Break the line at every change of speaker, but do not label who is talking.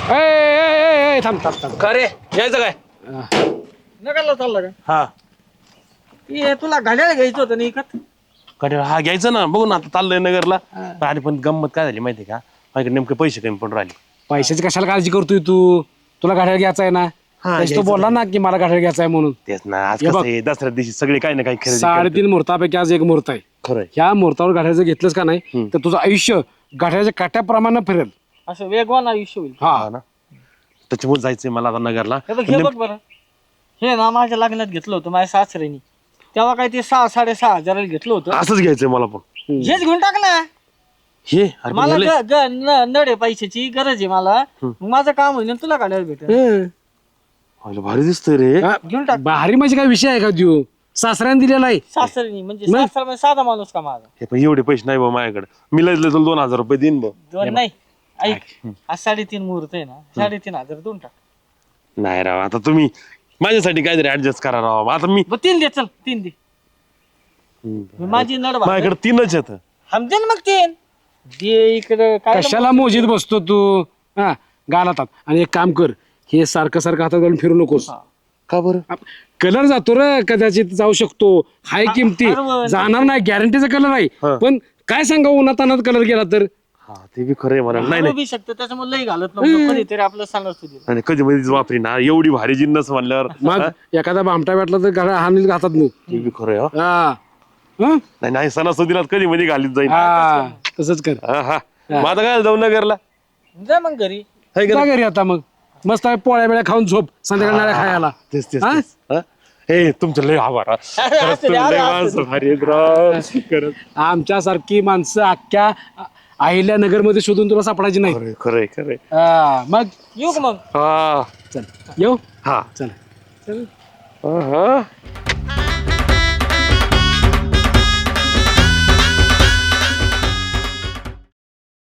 थांब थांब थांब.
का रे यायचं काय
नगरला चालला का
हा
ये तुला घड्याळ घ्यायचं होतं ना इकत
कडे हा घ्यायचं ना बघू ना आता चाललंय नगरला आणि पण गंमत काय झाली माहिती का माझ्याकडे नेमके पैसे कमी पण राहिले
पैशाची कशाला काळजी करतोय तू तुला गाड्या घ्यायचा आहे ना तो बोलला ना की मला गाड्या घ्यायचा आहे म्हणून
तेच ना आज
हे
कसं
बघ.
आहे, दसऱ्या दिवशी सगळे काही ना काही खरेदी करतात.
3.5 मुहूर्तापैकी आज एक मुहूर्त आहे
खरंय
ह्या मुहूर्तावर गाड्या जर घेतलंस का नाही तर तुझं आयुष्य गाड्याच्या काट्याप्रमाणे फिरेल.
असं वेगवान आयुष्य होईल
हा ना त्याच्यामुळे जायचंय मला आता नगरला
हे बघ बरं हे ना माझ्या लग्नात घेतलं होतं माझ्या सासऱ्यानी तेव्हा काय ते 6-6.5 हजाराला घेतलं होतं
असंच घ्यायचंय मला पण
हेच घेऊन टाक ना
हे अरे पण
मला
ह्याला-
नडे पैशाची गरज आहे मला मग माझं काम होईल आणि तुला गाड्यावर भेटेल
ह्याला भारी दिसतोय रे
हा,
घेऊन टाक
भारी म्हणजे काय विषय आहे का देऊ सासऱ्याने दिलेला आहे
सासऱ्यानी म्हणजे सासरा म्हणजे साधा माणूस का माझा
हे पण एवढे पैसे नाही बा माझ्याकडे मी लय तुला 2000 रुपये देईन बा
दोन नाही ऐक आज 3.5 मुहूर्त आहे ना 3.5 देऊन टाक
नाही राव आता तुम्ही माझ्यासाठी काहीतरी ऍडजस्ट करा राव आता मी
3 दे चल 3 दे माझी नड
माझ्याकडे 3च आहेत
समजेल मग 3 दे इकडं काय
कशाला मोजीत बसतो तू हा गालातात आणि एक काम कर हे सारखं सारखं हातात घालून फिरू नकोस
का बरं
कलर जातो रे कदाचित जाऊ शकतो हाय किमती
बरोबर.
जाणार नाही गॅरंटीचा कलर आहे
हा.
पण काय सांगा उन्हात अनात कलर गेला तर
हा ते बी खरंय मला नाही
घालू बी शकतं त्याच्यामुळे लई घालत नव्हतं कधीतरी आपलं सांगत तुझी
नाही कधी मध्येच वापरी ना एवढी भारी जिन्नस म्हणल्यावर
मग एखादा भामटा भेटला तर घरा हानील घातात नाही
ते बी खरंय हो.
हा हं?
नाही नाही सणासुदीला कधी मध्ये घालीत जाईल
हा तसंच कर
हा हा मग आता काय जाऊ नगरला
जा मग घरी
हाय का
जा
नाही?
घरी आता मग मस्त आहे पोळ्या बिळ्या खाऊन झोप संध्याकाळी नाळ्या खायला
तेच तेच
हा?
तेच. हा? हे तुमचं लय आभार हा. खरंच
असू दे,
तुम्ही लय
असू दे.
माणसं भारी आहेत राव. खरंच.
आमच्यासारखी माणसं अख्ख्या अहिल्यानगर मध्ये शोधून तुला सापडायची नाही
खरंय खरंय खरंय
मग
येऊ का मग
हा
चल येऊ
हा
चल
हा